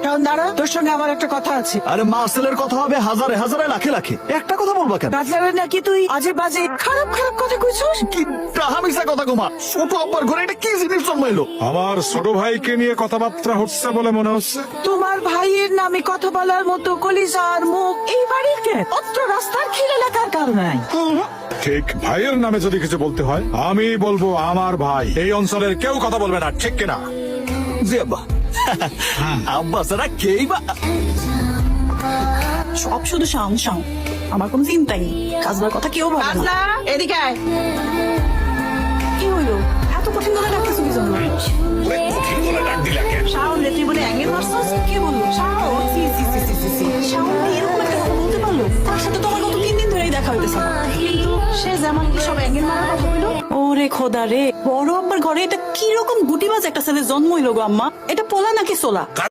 এখন দাঁড়া, তোর সঙ্গে আমার একটা কথা আছে। আরে মার্সেলের কথা হবে হাজারে হাজারে লাখে লাখে, একটা কথা বলবা কেন? বাজারে নাকি তুই আজে বাজে খারাপ খারাপ কথা কইছস। কি টাহামিসা কথা কমা, ছোট আব্বার ঘরে এটা কি জিনিস জন্মাইলো? আমার ছোট ভাইকে নিয়ে কথাবার্তা হচ্ছে বলে মনে হচ্ছে। তোমার ভাইয়ের নামে কথা বলার মতো কলিজার মুখ এই বাড়িতে অত্র রাস্তার খিল এলাকার কারণ নাই। ঠিক ভাইয়ের নামে যদি কিছু বলতে হয় আমি বলবো আমার ভাই, এই অঞ্চলের কেউ কথা বলবে না, ঠিক কিনা? জি আব্বা। আব্বা সারা কেই বা সব শুধু সাউন্ড সাউন্ড, আমার কোনো চিন্তাই নেই, কাজবার কথা কেউ ভাবে না। কাজলা এদিকে আয়। কি হইলো এত কঠিন করে ডাকতেছো কি জন্য? শাওন রে তুই বলে অ্যাঙ্গেল মারছস? কে বললো? শাওন? সি সি সি সি সি সি। শাওন কি এরকম একটা কথা বলতে পারলো? তার সাথে তো আমার গত 3 দিন ধরেই দেখা হইতেছে না। কিন্তু সে যেমন কি সব অ্যাঙ্গেল মারার কথা বললো। ওরে খোদা রে, বড় আব্বার ঘরে এটা কি রকম গুটিবাজ একটা ছেলে জন্ম হইলো গো আম্মা? এটা পোলা নাকি সোলা?